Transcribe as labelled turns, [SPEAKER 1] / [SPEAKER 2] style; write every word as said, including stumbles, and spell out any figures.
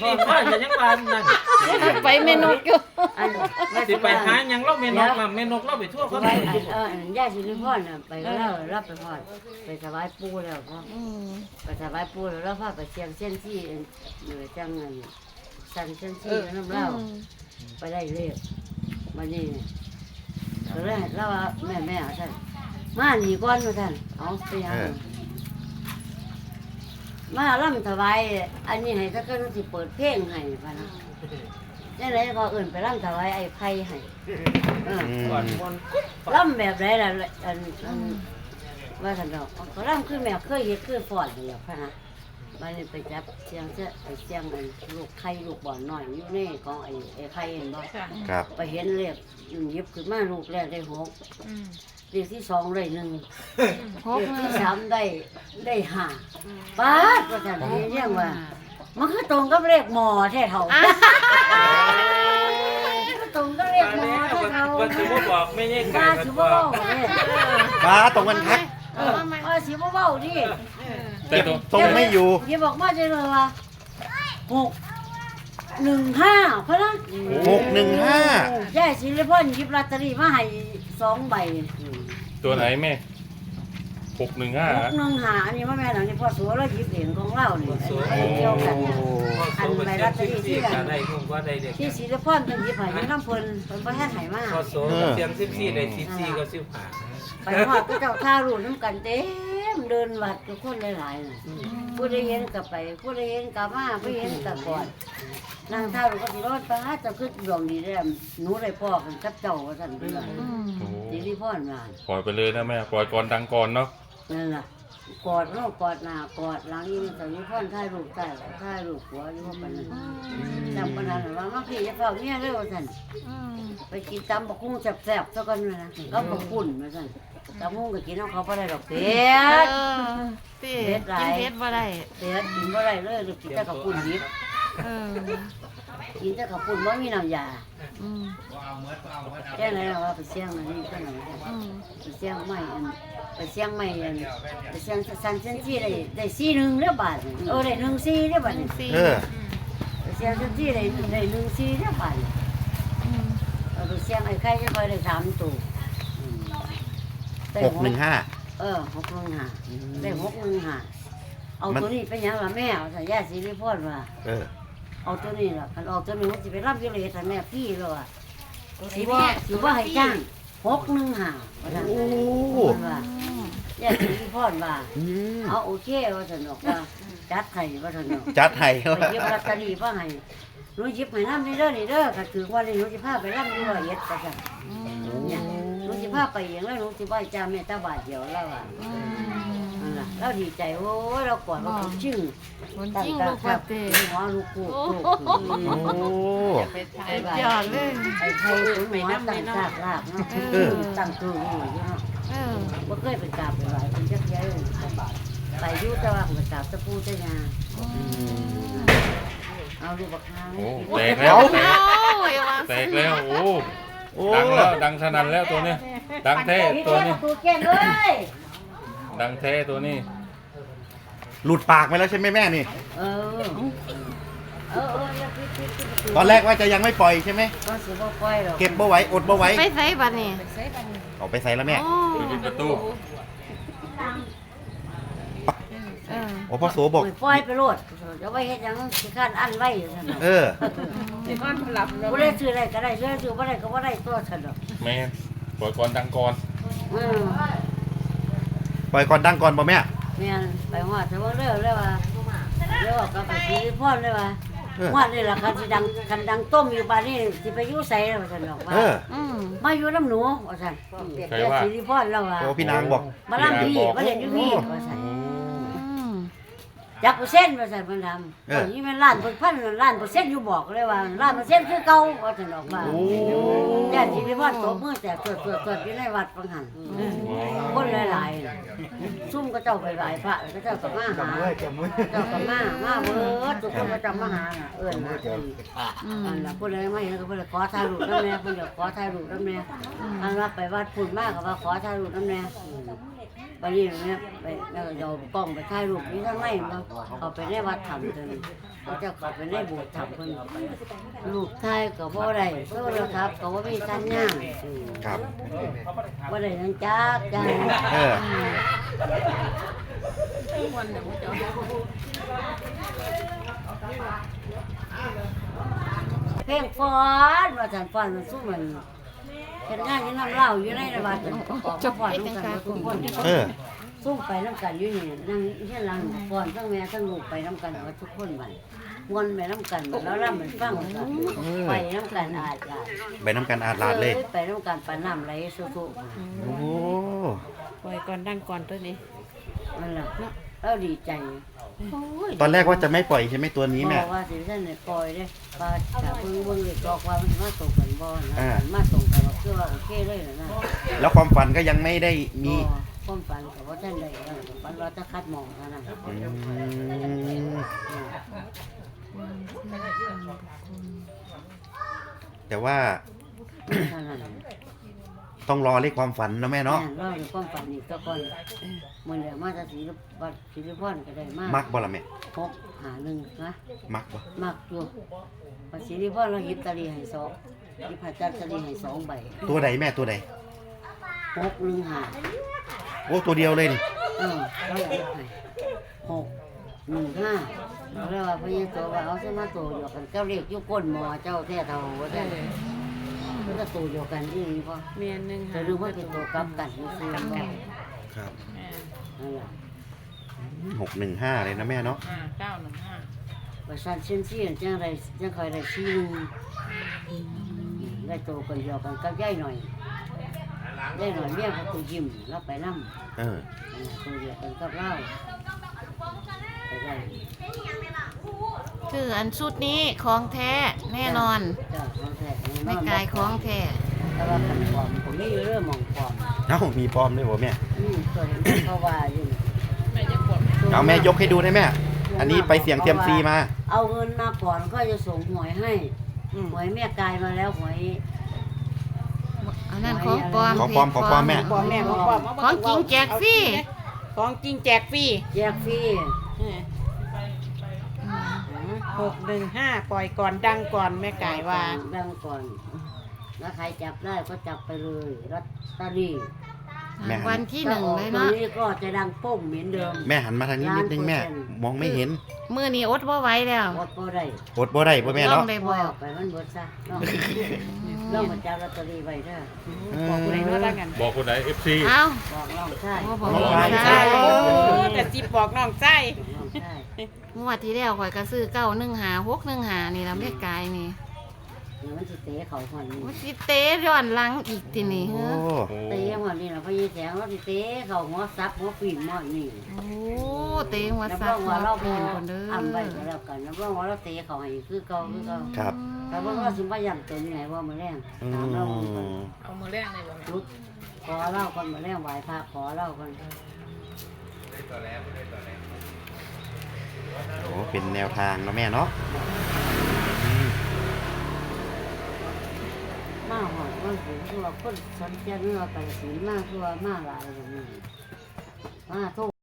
[SPEAKER 1] ริพรก็ยังว่านั่น
[SPEAKER 2] ไปเมนกอยู่
[SPEAKER 3] อัน
[SPEAKER 1] สิไปหาหยังเราแม่นกน่ะแม่นกเราไปทั่ว
[SPEAKER 3] ถ
[SPEAKER 1] เขา
[SPEAKER 3] วายอันเออย่าสิริพรน่ะไปก็แล้วรับไปพอดไปถวายปู่แล้วก็
[SPEAKER 2] อืม
[SPEAKER 3] ไปถวายปู่แล้วเราพาไปเชียงเส้นที่เหนือจังเงินสั่นเส้นที่น้ำเล่าไปได้เลขมานี่ก็เลยเล่าว่าแม่แม่ท่านมาหนีก้อนมาท่านเอาไปยังมาล่ำถวายอันนี้ให้ถ้าเกิดว่าสิเปิดเพลงให้พะนะนี่ไหนก็เอื่นไปล่ำถวายไอ้ไผ่ให้เออ
[SPEAKER 1] ก่อนมน
[SPEAKER 3] ล่ำแบบไรล่ะอันอันว่าท่านเราก็ล่ำคือแม่เคยเห็ดเคยฟอดอย่างเดียวพะนะมันไปจับเสียงเสียไอ้เสียงไอ้ลูกไข่ลูกบ่อนหน่อยอยู่นี่ของไอ้ไอ้ไข่เห็นบ่
[SPEAKER 4] ครับ
[SPEAKER 3] ไปเห็นเลขหยิบขึ้นมาลูกแรกได้หก
[SPEAKER 2] อืม
[SPEAKER 3] เลขที่สองได้หนึ่ง
[SPEAKER 2] ห
[SPEAKER 3] เล
[SPEAKER 2] ก
[SPEAKER 3] ข
[SPEAKER 2] หนึ่
[SPEAKER 3] ที่
[SPEAKER 2] ง
[SPEAKER 3] สามได้ได้ห้าป้าดว่าท่านเห็นยังว่ามันคือตรงกับเลขหมอแท้เท่ามันตรงกับเลขหมอแท้เท่า
[SPEAKER 1] ว่าสิบ่บอกไม่ใช่ไก่
[SPEAKER 3] ป้า
[SPEAKER 1] มัน
[SPEAKER 3] สิ
[SPEAKER 1] บ
[SPEAKER 3] บ่
[SPEAKER 1] อก
[SPEAKER 3] เว้าเนี่ย
[SPEAKER 4] ฟ้าตรงกันคัก
[SPEAKER 3] เออป้าสิบ่เว้าดิ
[SPEAKER 4] แต่ตรงไม่อยู่
[SPEAKER 3] อย่าบอกมาได้เลยว่าหกหนึ่งห้าเพราะนั้น
[SPEAKER 4] หกหนึ่งห้า
[SPEAKER 3] ยายศิริพรหยิบลอตเตอรี่มาให้สองใบ
[SPEAKER 5] ตัวไหนแม่หกหนึ่งห้า
[SPEAKER 3] หกหนึ่งห้าอันนี้ว่าแม่หลังนี้พ่อสัวเราหยิบเองของเราเนี่ยอันนี้เกี่ยวกันเนี่ย
[SPEAKER 1] อันใบลอตเตอรี่ที่ก็ได้คงว่าได้เด็ก
[SPEAKER 3] ที่ศิริพรเป็นหยิบให้อยังน้ำเพลินเป็นประเทศไหนมา
[SPEAKER 1] พอโซเสียงสิบสี่ได้สิบสี่ก็สิบห้า
[SPEAKER 3] ไปหอดก็เจ้าท่ารูน้ำกันเต็มเดินวัดทุกคนหลายๆน่ะผู้ได้เห็นกับไปผู้ได้เห็นกับมาผู้เห็นกับก่อนนางท่ารูก็สิรอดป้าจะขึ้นดวงดีได้หนูได้พ่อกันกับเจ้าว่าท่านเป็นไร
[SPEAKER 2] อืม
[SPEAKER 5] โอ้โห
[SPEAKER 3] ศิริพรมา
[SPEAKER 5] ปล่อยไปเลยนะแม่ปล่อยก่อนดังก่อนเนาะ
[SPEAKER 3] นั่นล่ะกอดน้องกอดหน้ากอดหลังอีนี่ตอนนี้พ่อนถ่ายรูปใต้ถ่ายรูปหัวอยู่ว่าปานนั้นจำปานนั้นว่ามาพี่จะเฝ้าเนี่ยเร็วท่าน
[SPEAKER 2] อืม
[SPEAKER 3] ไปกินตำบักหุ่งแซ่บๆซะก่อนเลยนะก็บักหุ่นมาท่านตำหุ่งก็กินเอาเขาบ่ได้ดอกเผ็ด
[SPEAKER 2] เออติกินเพชรบ่ได้
[SPEAKER 3] เผ็ดกินบ่ได้เลยลูกกินแต่กับปุ่นดิบ
[SPEAKER 2] เออ
[SPEAKER 3] กินแต่กับปุ่นบ่มีน้ำยา
[SPEAKER 2] อืม
[SPEAKER 3] แค่ไหนล่ะว่าไปเสี่ยงอันนี้ก็ไหน
[SPEAKER 2] อืม
[SPEAKER 3] ไปเสี่ยงไม่อันไปเสี่ยงไม่อันไปเสี่ยงสันเซนซี่ได้ได้สี่หนึ่งเรียบบาทนี่เออได้หนึ่งสี่เรียบบาทนี่
[SPEAKER 2] สี่
[SPEAKER 4] เออ
[SPEAKER 3] ไปเสี่ยงเซนซี่ได้ได้หนึ่งสี่เรียบบาทนี่
[SPEAKER 2] อืม
[SPEAKER 3] เอาไปเสี่ยงไอ้ไข่จะคอยได้สามตัวอืมได้
[SPEAKER 4] หกหนึ่งห้า
[SPEAKER 3] เออหกหนึ่งห้าได้หกหนึ่งห้าเอาตัวนี้เป็นหยังล่ะแม่เอาสัญญาสิริพรว่า
[SPEAKER 4] เออ
[SPEAKER 3] เอาตัวนี้ล่ะคันเอาตัวนี้มันสิไปรับอยู่เลยแต่แม่พี่เลยอ่ะสิว่าสิว่าให้จ้างหกหนึ่งห้าว่าซั่น
[SPEAKER 4] โอ้
[SPEAKER 3] ว่าญาติพี่พ่อนว่า
[SPEAKER 4] อืม
[SPEAKER 3] เอาโอเคว่าซั่นดอกว่าจัดให้ว่าซั่นดอก
[SPEAKER 4] จัดให้
[SPEAKER 3] ไปหยิบลอตเตอรี่ว่าให้หนูหยิบให้นำนี่เด้อนี่เด้อก็ถือว่านี่หนูสิพาไปรับอยู่ร้อยเอ็ดว่าซั่นเนี่ยหนูสิพาไปเองแล้วหนูสิบ่ให้จ้าแม่ตาบาทเดียวแล้วอ่ะ
[SPEAKER 2] อืม
[SPEAKER 3] นั่นล่ะเราดีใจโอ้ยเรากอดเราชึ้ง
[SPEAKER 2] คนจริงลูกว่าเต
[SPEAKER 3] หัวลูกกูลูก
[SPEAKER 4] โอ้
[SPEAKER 2] ยอดเลย
[SPEAKER 3] ไอ้ไทยถึงหัวตั้งซากลากเนาะตั้งตัวนี่อยู่เนาะ
[SPEAKER 2] เออ
[SPEAKER 3] บ่เคยไปกราบไปไหว้เป็นจักเที่ยเลยไปอยู่แต่ว่าไปกราบตะปูตะยาเอาลูกบักฮา
[SPEAKER 5] โอ้
[SPEAKER 3] ให้กิน
[SPEAKER 5] แตกแล้วแตก
[SPEAKER 2] โอ้ยว่า
[SPEAKER 5] แตกแล้วโอ้
[SPEAKER 4] โอ้
[SPEAKER 5] ดังแล้วดังสนั่นแล้วตัวนี้ ดังแท้
[SPEAKER 3] นี่
[SPEAKER 5] ตัว
[SPEAKER 3] เด้
[SPEAKER 5] นี้
[SPEAKER 3] อตูแก้มเอ้ย
[SPEAKER 5] ดังแท้ตัวนี้
[SPEAKER 4] หลุดปากไปแล้วใช่ไหมแม่นี่
[SPEAKER 3] เออเออเอออย่าปิดปิดปิดปิด
[SPEAKER 4] ตอนแรกว่าจะยังไม่ปล่อยใช่ไหไหม
[SPEAKER 3] ก็สิบ่ปล่อยหรอก
[SPEAKER 4] เก็บบ่ไหว้อดบ่ไหว้
[SPEAKER 2] ไปใส่บัดนี้
[SPEAKER 4] เอาไปใส่แล้วแม่
[SPEAKER 2] โอ้
[SPEAKER 5] ปิดประตู
[SPEAKER 2] เออ
[SPEAKER 4] โอ้พ่อโสบอก
[SPEAKER 3] ปล่อยไปโลดเดี๋ยวไว้เฮ็ดหยังสิคันอันไว้ซั่นน่ะ
[SPEAKER 4] เออ
[SPEAKER 3] บ่ได้ซื้ออะไรก็ได้ซื้อซื้อบ่ได้ก็บ่ได้ตัวซั่นดอก
[SPEAKER 5] แม่ปล่อยก่อนดังก่อน
[SPEAKER 3] เออ
[SPEAKER 4] ปล่อยก่อนดังก่อนบ่แม่
[SPEAKER 3] แม่นไปฮอดแต่ว่าเร็วเลยว่าเร็วก็ไปสิริพรเลยว่า
[SPEAKER 4] เออ
[SPEAKER 3] ฮอดนี่ล่ะคันสิดังคันดังต้มอยู่บ้านนี้สิไปอยู่ไสว่าซั่นดอกว่า
[SPEAKER 4] เออ
[SPEAKER 2] อืม
[SPEAKER 3] มาอยู่น้ำหนูว่าซั่น
[SPEAKER 5] ใคร
[SPEAKER 3] เดี๋ยว
[SPEAKER 5] ว่า
[SPEAKER 3] สิริพรแล้วว่า
[SPEAKER 4] โอ้พี่นางบอก
[SPEAKER 3] มาลำพี่มาเล่นอยู่พี่ว่าซั่น
[SPEAKER 2] อืม
[SPEAKER 3] จักเปอร์เซ็นต์ว่าซั่นเพิ่นทำ
[SPEAKER 4] เออ
[SPEAKER 3] นี่มันล้านเพิ่นพันล้านเปอร์เซ็นต์อยู่บอกเลยว่าล้านเปอร์เซ็นต์คือเก่าว่าซั่นดอกว่า
[SPEAKER 4] โอ้
[SPEAKER 3] ญาติสิริพรตบมือแตกเกิดๆๆอยู่ในวัดฟังหันคนหลายๆซุ่มก็เจ้าไปไหว้พระก็เจ้าก็มาหาเจ้าก็มามาเบิดทุกคนก็จะมาหาน่ะเอิ้นน่ะเอิ้น
[SPEAKER 2] อืม
[SPEAKER 3] อันน่ะผู้ใดไม่เห็นก็เพิ่นขอถ่ายรูปนำแน่เพิ่นอยากขอถ่ายรูปนำแน่อันว่าไปวัดพุ่นมาก็ว่าขอถ่ายรูปนำแน่บัดนี้เนี่ยไปแล้วก็เอากล้องไปถ่ายรูปนี่ทำไมบ่เอาไปในวัดถ้ำเพิ่นเขาจะเข้าไปในโบสถ์ถ้ำเพิ่นรูปถ่ายก็บ่ได้โทรศัพท์ก็บ่มีสัญญาณ
[SPEAKER 4] ครับ
[SPEAKER 3] บ่ได้นั่นจักจัง
[SPEAKER 4] เออ
[SPEAKER 3] เพลงฟ้อนว่าซั่นฟ้อนมันสู้มันเฮ็ดงานอยู่น้ำเหล้าอยู่ในวัดจบฟ้อนนำกันทุกคน
[SPEAKER 4] เออ
[SPEAKER 3] สู้ไปน้ำกันอยู่นี่นั่งเฮ็ดหลังฟ้อนทั้งแม่ทั้งลูกไปน้ำกันว่าทุกคนบัดม่วนไปน้ำกันบัดแล้วรำมันฟังกันไปน้ำกันอาจจะ
[SPEAKER 4] ไปน้ำกันอาดลาดเลย
[SPEAKER 3] ไปน้ำกันปานน้ำไหลสุๆ
[SPEAKER 4] โอ้โห
[SPEAKER 2] ปล่อยก่อนดังก่อนตัวนี้
[SPEAKER 3] นั่นล่ะเราดีใจโอ้ย
[SPEAKER 4] ตอนแรกว่าจะไม่ปล่อยใช่ไหมตัวนี้แม่
[SPEAKER 3] บอกว่าสิท่านเนี่ยปล่อยเด้ว่าถ้าเพิ่งเบิ่งเลยบอกว่ามันมาตรงกันบ่นะ
[SPEAKER 4] อ่า
[SPEAKER 3] มันมาตรงกันว่าคือว่าโอเคเลยนะ
[SPEAKER 4] แล้วความฝันก็ยังไม่ได้มี
[SPEAKER 3] บ่ความฝันก็บ่ทันได้นะฝันว่าจะคัดหมองเท่านั้น
[SPEAKER 4] อืมแต่ว่า
[SPEAKER 3] เท่านั้น
[SPEAKER 4] ต้องรอเลขความฝันนะแม่เนาะ
[SPEAKER 3] แม่เราในความฝันนี่ก็ก่อนมื้อนี้มาจากศรีวัดศรีพรก็ได้มา
[SPEAKER 4] มักบ่ล่ะแม่
[SPEAKER 3] หกหาหนึ่งนะ
[SPEAKER 4] มักบ่
[SPEAKER 3] มักอยู่วัดศรีพรเราหยิบตะลีให้สองหยิบผ้าจัดตะลีให้สองใบ
[SPEAKER 4] ตัวใดแม่ตัวใด
[SPEAKER 3] หกหนึ่งห้า
[SPEAKER 4] โอ้ตัวเดียวเลยนี่
[SPEAKER 3] เออเราอยากให้หกหนึ่งห้าเราเรียกว่าพญาโตว่าเอาเส้นมาโตเดียวกันเจ้าเรียกยุก้นหมอเจ้าแท้เท่าว่าได้มันก็โตเดียวกันอีนี่พอ
[SPEAKER 2] เมียนหนึ่ง
[SPEAKER 3] จะรู้ว่าเป็นโตกลับกันนี่คือบ่
[SPEAKER 4] ครับ
[SPEAKER 3] นั่นแหละ
[SPEAKER 4] หกหนึ่งห้าเลยนะแม่เนาะ
[SPEAKER 2] ห้าเก้าหนึ่งห้า
[SPEAKER 3] ประชาชนเชี่ยจังไรจังคอยได้ชี้หนึงได้โตกันเดียวกันกับยายหน่อยยายหน่อยเมียเขาตัวยิ้มแล้วไปนั่ง
[SPEAKER 4] เออ
[SPEAKER 3] ตัวเดียวกันกับเราไปได้
[SPEAKER 2] คืออันชุดนี้ของแท้แน่นอน
[SPEAKER 3] จ้ะของแท้แน่นอน
[SPEAKER 2] ไม่กายของแท้
[SPEAKER 3] แต่ว่าขันปลอมผมนี่เรื่องมองปลอม
[SPEAKER 4] เอ้ามีปลอมด้วยบ่แม่
[SPEAKER 3] อืมตัวเห็นเขาว่าอยู่
[SPEAKER 4] เอาแม่ยกให้ดูได้แม่ อันนี้ไปเสี่ยงเทียมซีมา
[SPEAKER 3] เอาเงินมาก่อนก็จะส่งหวยให้หวยแม่กายมาแล้วหวย
[SPEAKER 2] อันนั้นของปลอม
[SPEAKER 4] ของปลอมของปลอมแม่
[SPEAKER 6] บอกแม่บอกบอก
[SPEAKER 2] ของจริงแจกฟรี
[SPEAKER 6] ของจริงแจกฟรี
[SPEAKER 3] แจกฟรี
[SPEAKER 6] หกหนึ่งห้าปล่อยก่อนดังก่อนแม่ไก่ว่า
[SPEAKER 3] ดังก่อน แล้วใครจับได้ก็จับไปเลยลอตเตอรี่
[SPEAKER 4] แม่
[SPEAKER 2] วันที่หนึ่งเลย
[SPEAKER 3] ตอน
[SPEAKER 2] เนาะ
[SPEAKER 3] นี้ก็จะดังโป้งเหมือนเดิม
[SPEAKER 4] แม่หันมาทางนี้นิดนึงแม่ มองไม่เห็น
[SPEAKER 2] มือนี้อดบ่ไหว้แล้ว
[SPEAKER 3] หมดก็ได้
[SPEAKER 4] อดบ่ได้บ่แม่
[SPEAKER 2] ต้อ
[SPEAKER 4] เนาะ
[SPEAKER 2] งได้
[SPEAKER 3] ปล่
[SPEAKER 2] บ
[SPEAKER 3] อย
[SPEAKER 2] อ
[SPEAKER 3] อก อกไปมันเบิดซะเนาะเรามาจับลอตเตอรี่ไว้เด้อ
[SPEAKER 6] บอกผู้ใดรู้แล้วกัน
[SPEAKER 5] บอกคนไหนเอฟซี
[SPEAKER 2] เอ้า
[SPEAKER 3] บอกน้องชาย
[SPEAKER 2] โอ้บอก
[SPEAKER 4] น้องชาย
[SPEAKER 2] ใช่
[SPEAKER 6] โอ้แต่จิบบอกน้องใจ
[SPEAKER 3] น้องชาย
[SPEAKER 2] งวดที่แล้วข่อยก็ซื้อเก้าหนึ่งหาหกหนึ่งหานี่ละแม่กายนี่
[SPEAKER 3] เดี๋ยวมันสิเตะเขาคนนี้
[SPEAKER 2] โอ้สิเตะย้อนหลังอีกทีนี่
[SPEAKER 4] โอ้
[SPEAKER 2] เฮ้อ
[SPEAKER 3] เตะหัวนี่ล่ะพะยีแสงเราสิเตะเขาหัวซับหัวปีนหมอนี่
[SPEAKER 2] โอ้เตะหัว
[SPEAKER 3] น้ำ
[SPEAKER 2] ซั
[SPEAKER 3] ร้
[SPEAKER 2] ก
[SPEAKER 3] อง
[SPEAKER 2] หัว
[SPEAKER 3] ว่าเรา
[SPEAKER 2] ปี
[SPEAKER 3] พอน
[SPEAKER 2] คนเด้อ
[SPEAKER 3] อ่ำไปก็แล้วกันน้ำร้องว่าเราเตะเขาให้คือเก่าคือเก่า
[SPEAKER 4] ครับ
[SPEAKER 3] แต่ว่าเราสิมาย่ำตัวนี้ให้ว่ามื้อแรง
[SPEAKER 4] อื
[SPEAKER 3] ตามเรา
[SPEAKER 4] ม
[SPEAKER 6] เอามือแรกเลยบอก
[SPEAKER 3] จุดขอเล่าคนมื้อแรงไหว้พระขอเล่าคน
[SPEAKER 4] โอ้เป็นแนวทางเนาะแม่เนาะอืม
[SPEAKER 3] มาหอดว่าสิคือว่าคนสันเทียนเมื่อไปศีลมากคือว่ามาหลายแบบนี้มาโทษ